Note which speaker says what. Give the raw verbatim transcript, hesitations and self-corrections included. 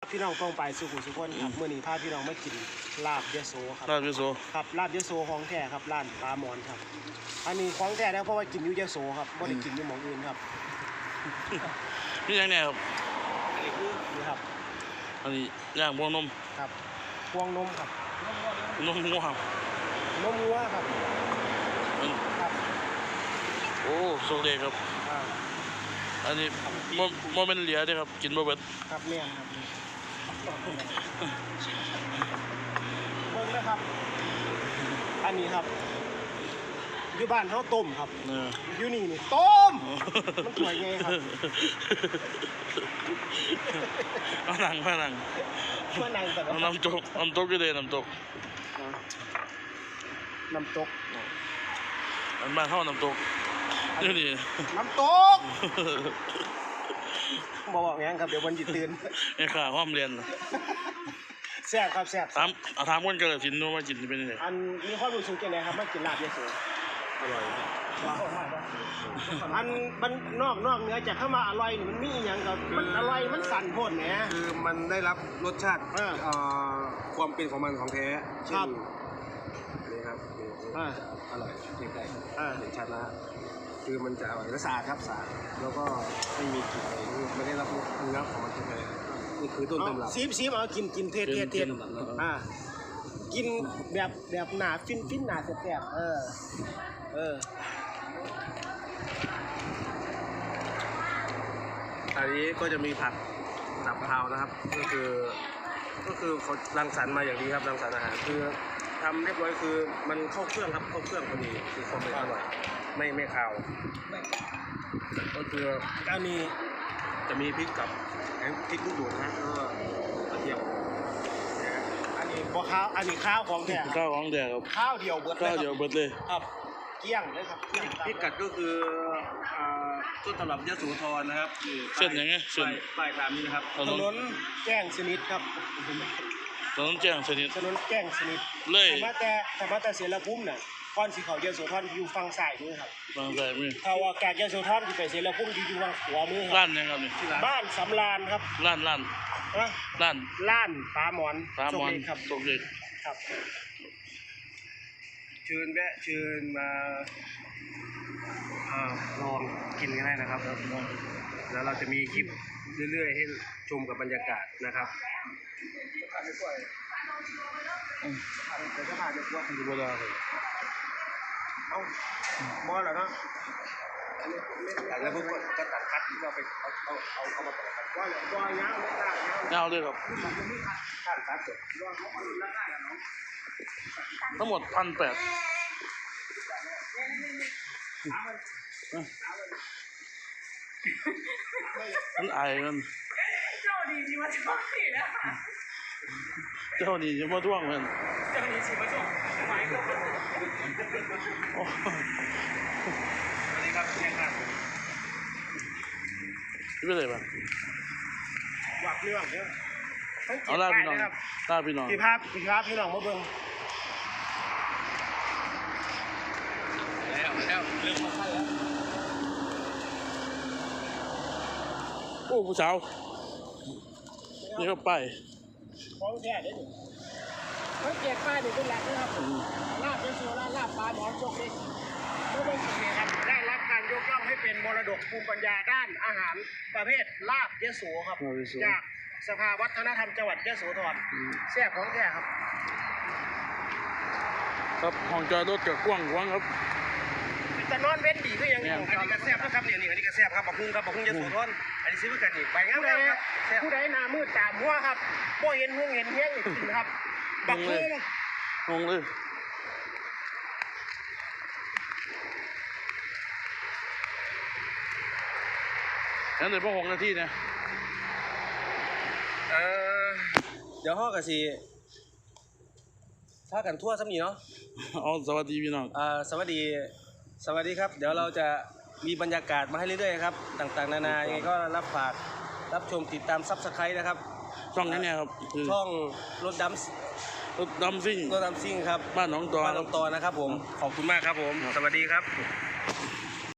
Speaker 1: พี่น้องต้องไปสุขุมสุขคนครับเมื่อนี้พาพี่น้องมากินลาบยโสครับ
Speaker 2: ลาบยโส
Speaker 1: ครับลาบยโสของแท้ครับร้านปลาหมอนครับอันนี้ของแท้แล้วเพราะว่ากินอยู่ยโสครับไม่ได้กินอยู่หม้องอื่นครับ
Speaker 2: นี่ยังไงครับ
Speaker 1: อันนี้คือนี่ครับ
Speaker 2: อันนี้ย่างพวงนม
Speaker 1: ครับพวงนมครับ
Speaker 2: นมงัวครับ
Speaker 1: นมงัวครับครับ
Speaker 2: โอ้โซเล็กครับอันนี้โมโมเป็นเหลียด้วยครับกินบ่เบิด
Speaker 1: ครับเมี่ยงครับเบิ่งนะครับอันนี้ครับอยู่บ้านเขาต้มครับอยู่นี่นี่ต้มมันสวยไงครับ
Speaker 2: มานั่งมานั่ง
Speaker 1: มานั่งแต่
Speaker 2: น้ำตกน้ำตกก็ได้น้ำตก
Speaker 1: น้ำตก
Speaker 2: อันบ้านเขาน้ำตกนี่นี่
Speaker 1: น้ำตกบอกว่าอย่างครับเดี๋ยววันจิตตื่น
Speaker 2: ไอ้ข้าห้อมเรียน
Speaker 1: แซ่บครับแซ่บ
Speaker 2: ถามเอาถามคนกระสินว่าจิตเป็นยังไง
Speaker 1: อันมีความรู้สึกยังไงครับมากินลาบยโส
Speaker 2: อร่อย
Speaker 1: อันมันนอกนอกเหนือจากเข้ามาอร่อยมันมีอย่างกับมันอร่อยมันสั่นโพดแหม
Speaker 3: คือมันได้รับรสชาติความเป็นของมันของแท้
Speaker 1: ครับ
Speaker 3: นี่ครับอร่อยเพียงใดเห็นชัดแล้วคือมันจะอร่อยและสะอาดครับสะอาดแล้วก็ไม่มีกลิ่นอะไรไม่ได้รับเนื้อของมันแท้ๆนี่คือต้นตำรับ
Speaker 1: ซีมซีมเอากินกินเทสเทสเทสอ่ากินแบบแบบหนาฟินฟินหนาแซ่บๆเออเออ
Speaker 3: อันนี้ก็จะมีผัดตับเผานะครับก็คือก็คือเขารังสรรค์มาอย่างดีครับรังสรรค์อาหารคือทำเรียบร้อยคือมันเข้าเครื่องครับเข้าเครื่องพอดีคือความเป็นอร่อยไม่ไม่คาวก็คือ
Speaker 1: อันนี้
Speaker 3: จะมีพริกกับพริกลูกโดดนะแล้วก็กระเทียม
Speaker 1: อันนี้บ่ข้าวอันนี้ข้าวของแท้
Speaker 2: ข้าวของแท้ครับ
Speaker 1: ข้าวเดียวเบิด
Speaker 2: ข้าวเดียวเบิดเลย
Speaker 1: ครับเกี้ยงเลยครับ
Speaker 3: พริกกัดก็คือต้นตำรับยโสธรนะครับ
Speaker 2: เส้นยังไงเส้น
Speaker 3: ป้ายตามนี้นะครับ
Speaker 1: ถนนแจ้งสนิทครับ
Speaker 2: ถนนแจ้งสนิท
Speaker 1: ถนนแจ้งสนิท
Speaker 2: เลย
Speaker 1: แต่มาแต่แต่มาแต่เสรภูมิน่ะก้อนสีเขายโสธรอยู่ฝั่งซ้ายมือครับ
Speaker 2: ฝั่งซ้ายมือ
Speaker 1: ถ้าว่าแกยโสธรที่ไปเสรภูมิอยู่ฝั่งขวามือ
Speaker 2: ร้านยังครับนี่
Speaker 1: บ้านสำราญครับ
Speaker 2: ร้านร้านร้าน
Speaker 1: ร้านปลาหมอน
Speaker 2: ปลาหมอน
Speaker 1: ครับ
Speaker 2: ตกเด็ก
Speaker 1: ครับ
Speaker 3: เชิญแวะเชิญมาลองกินกันได้นะครับแล้วเราจะมีคลิปเรื่อยๆให้ชมกับบรรยากาศนะครับ
Speaker 1: จะผ่านจะกลัว
Speaker 2: ดูบ่ได้เลย
Speaker 1: เอาบอลเหรอเนาะ
Speaker 3: แล้วพวกก็ตัดคัดก็ไปเอาเอาเอาเอามาต่อกัน
Speaker 1: ว่าว่าเงาไม่ได้
Speaker 2: เงาเลยครับ
Speaker 3: คัดคัดเสร็จ
Speaker 2: ทั้งหมดพันแปดมันไอมัน
Speaker 4: เจ้าดีสิมาช่วยนะ
Speaker 2: เจ้านี่จะมาท่วงมัน
Speaker 4: เจ้าดีสิมาช่วยไปก็
Speaker 3: สวัสดีครับแขกครับ
Speaker 2: ที่เป็นอะไรบ้าง
Speaker 1: หวักเรื่องเนี่ย
Speaker 2: เอาล่าพี่น้องล่าพี่น้อง
Speaker 1: พี่ภาพพี่ภาพพี่น้องมาเบิ่ง
Speaker 3: แล้วแล้วเรื่องมาขั้นแล้ว
Speaker 2: โอ้ผู้สาวนี่ก็ไป
Speaker 1: ของแท้เด้อเขาแจกป้ายนี่เป็นหลักนะครับลาบยโสลาบลาบปลาหมอนจกเด็กเมื่อเบิ่งสิครับได้รับการยกย่องให้เป็นมรดกภูมิปัญญาด้านอาหารประเภทลาบยโสครับจากสภาวัฒนธรรมจังหวัดยโสธรแซ่บของแท้ครับ
Speaker 2: ครับห้องจอดรถกับกว้างกว้างครับ
Speaker 1: แต่นอนเว้นดีก็ยัง
Speaker 3: อันนี้ก็แซ่บนะครับเนี่ยนี่อันนี้ก็แซ่บครับบักฮุ้งครับบักฮุ้งยโสธรอันนี้ซื้อกันนี่ไปงั้นเลยครับ
Speaker 1: ผู้ใดหน้ามืดตามัวครับบ่เห็นหุ่งเห็นเฮี้ยงอีกทีครับบักฮุ้ง
Speaker 2: งงเลยงั้นเดี๋ยวพวกหกนาทีเนี่ย
Speaker 3: เออเดี๋ยวห้อกับสีถ้ากันทั่วสักนิดเนาะ
Speaker 2: เอาสวัสดีพี่น้อง
Speaker 3: อ่าสวัสดีสวัสดีครับเดี๋ยวเราจะมีบรรยากาศมาให้เรื่อยๆครับต่างๆนานายังไงก็รับฝากรับชมติดตามซับสไครต์นะครับ
Speaker 2: ช่องนี้เนี่ยครับ
Speaker 3: ช่องรถดำ
Speaker 2: รถดำซิ่ง
Speaker 3: รถดำซิ่งครับ
Speaker 2: บ้านหนองตอ
Speaker 3: บ้านหนองตอนะครับผมขอบคุณมากครับผมสวัสดีครับ